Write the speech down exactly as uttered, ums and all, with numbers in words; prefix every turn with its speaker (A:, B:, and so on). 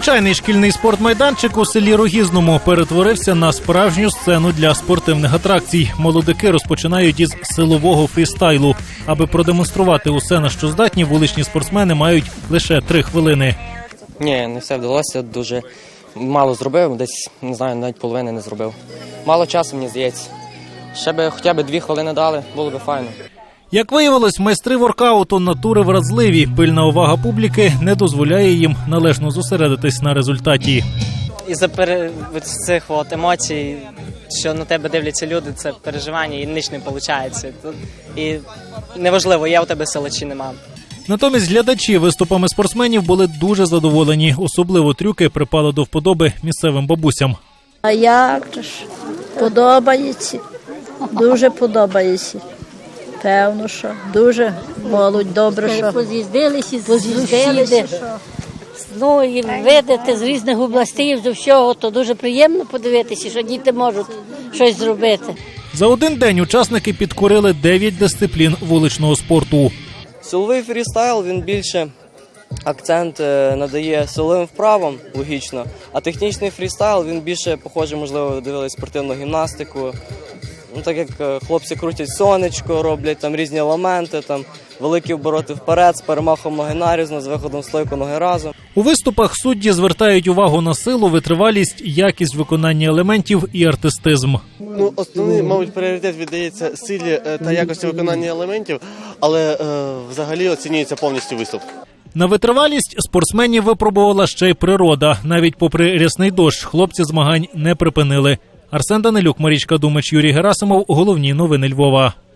A: Звичайний шкільний спортмайданчик у селі Рогізному перетворився на справжню сцену для спортивних атракцій. Молодики розпочинають із силового фрістайлу. Аби продемонструвати усе, на що здатні, вуличні спортсмени мають лише три хвилини.
B: Ні, не все вдалося, дуже мало зробив, десь, не знаю, навіть половини не зробив. Мало часу, мені здається. Ще би хоча б дві хвилини дали, було б файно.
A: Як виявилось, майстри воркауту натури вразливі. Пильна увага публіки не дозволяє їм належно зосередитись на результаті.
C: Із-за пере... цих от емоцій, що на тебе дивляться люди, це переживання і ніч не виходить. І неважливо, є у тебе сила чи нема.
A: Натомість глядачі виступами спортсменів були дуже задоволені. Особливо трюки припали до вподоби місцевим бабусям.
D: А як же ж? Подобається. Дуже подобається. Певно, що дуже молодь, добре, що
E: поз'їздилися,
D: поз'їздилися.
E: Ну, і видати з різних областей, з всього, то дуже приємно подивитися, що діти можуть щось зробити.
A: За один день учасники підкорили дев'ять дисциплін вуличного спорту.
F: Силовий фрістайл, він більше акцент надає силовим вправам, логічно, а технічний фрістайл, він більше, похоже, можливо, дивились спортивну гімнастику. Ну, так як хлопці крутять сонечко, роблять там різні елементи, там великі обороти вперед, з перемахом ноги нарізно, з виходом стойку ноги разом.
A: У виступах судді звертають увагу на силу, витривалість, якість виконання елементів і артистизм.
G: Ну, основний, мабуть, пріоритет віддається силі та якості виконання елементів, але е, взагалі оцінюється повністю виступ.
A: На витривалість спортсменів випробувала ще й природа. Навіть попри рясний дощ, хлопці змагань не припинили. Арсен Данилюк, Марічка Думач, Юрій Герасимов. Головні новини Львова.